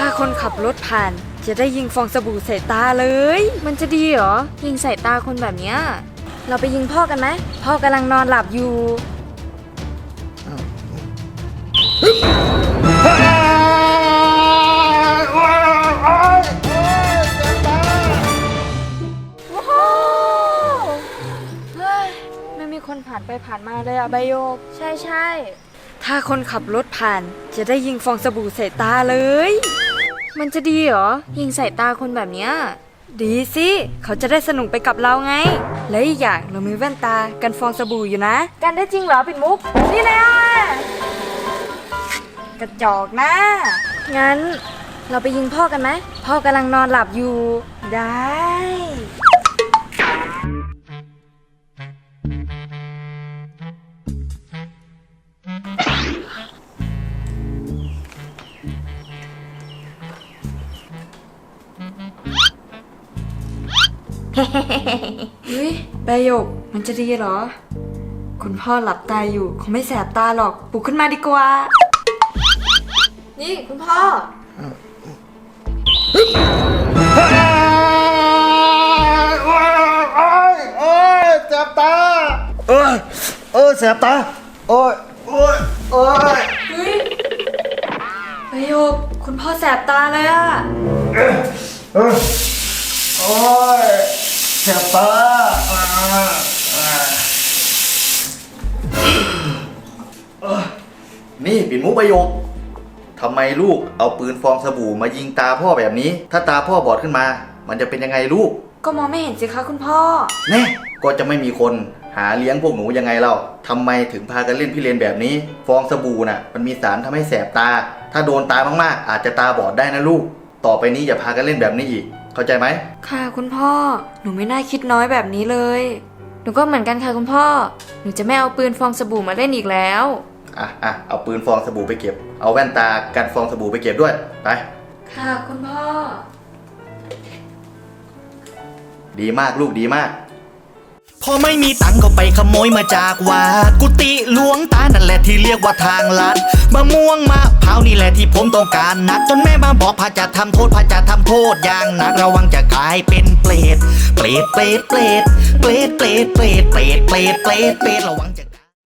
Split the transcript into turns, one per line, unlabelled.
คนขับรถผ่านจะได้ยิงฟองสบู่ใส่ตาเลย มันจะดีเหรอยิงใส่ตาคนแบบเนี้ยเราไปยิงพ่อกันไหมพ่อกำลังนอนหลับอยู่ไม่มีคนผ่านไปผ่านมาเลยอะใบโยกใช่ถ้าคนขับรถผ่านจะได้ยิงฟองสบู่ใส่ตาเลยมันจะดีเหรอยิงใส่ตาคนแบบเนี้ยดีสิเขาจะได้สนุกไปกับเราไงและอีกอย่างเรามีแว่นตากันฟองสบู่อยู่นะกันได้จริงเหรอปิดมุกนี่นะกระจอกนะงั้นเราไปยิงพ่อกันไหมพ่อกำลังนอนหลับอยู่ได้เฮ้ยใบหยกมันจะดีเหรอคุณพ่อหลับตาอยู่คงไม่แสบตาหรอกปลุกขึ้นมาดีกว่านี่คุณพ่อ
แสบตาแสบตา
เฮ้ยใบหยกคุณพ่อแสบตาเลยอะ
แสบตานี่ปิ่นมุกประโยคทำไมลูกเอาปืนฟองสบู่มายิงตาพ่อแบบนี้ถ้าตาพ่อบอดขึ้นมามันจะเป็นยังไงลูก
ก็มองไม่เห็นสิคะคุณพ่อ
แน่ก็จะไม่มีคนหาเลี้ยงพวกหนูยังไงเล่าทำไมถึงพากันเล่นพิเรนแบบนี้ฟองสบู่น่ะมันมีสารทำให้แสบตาถ้าโดนตามากๆอาจจะตาบอดได้นะลูกต่อไปนี้อย่าพากันเล่นแบบนี้อีกเข้าใจไหม
ค่ะคุณพ่อหนูไม่น่าคิดน้อยแบบนี้เลยหนูก็เหมือนกันค่ะคุณพ่อหนูจะไม่เอาปืนฟองสบู่มาเล่นอีกแล้ว
เอาปืนฟองสบู่ไปเก็บเอาแว่นตากันฟองสบู่ไปเก็บด้วยไป
ค่ะคุณพ่อ
ดีมากลูกดีมาก
พอไม่มีตังก็ไปขโมยมาจากวัดกุฏิหลวงตานั่นแหละที่เรียกว่าทางลัดมะม่วงมะพร้าวนี่แหละที่ผมต้องการนักจนแม่มาบอกพระจะทำโทษพระจะทำโทษอย่างหนักระวังจะกลายเป็นเปรตระวังจะ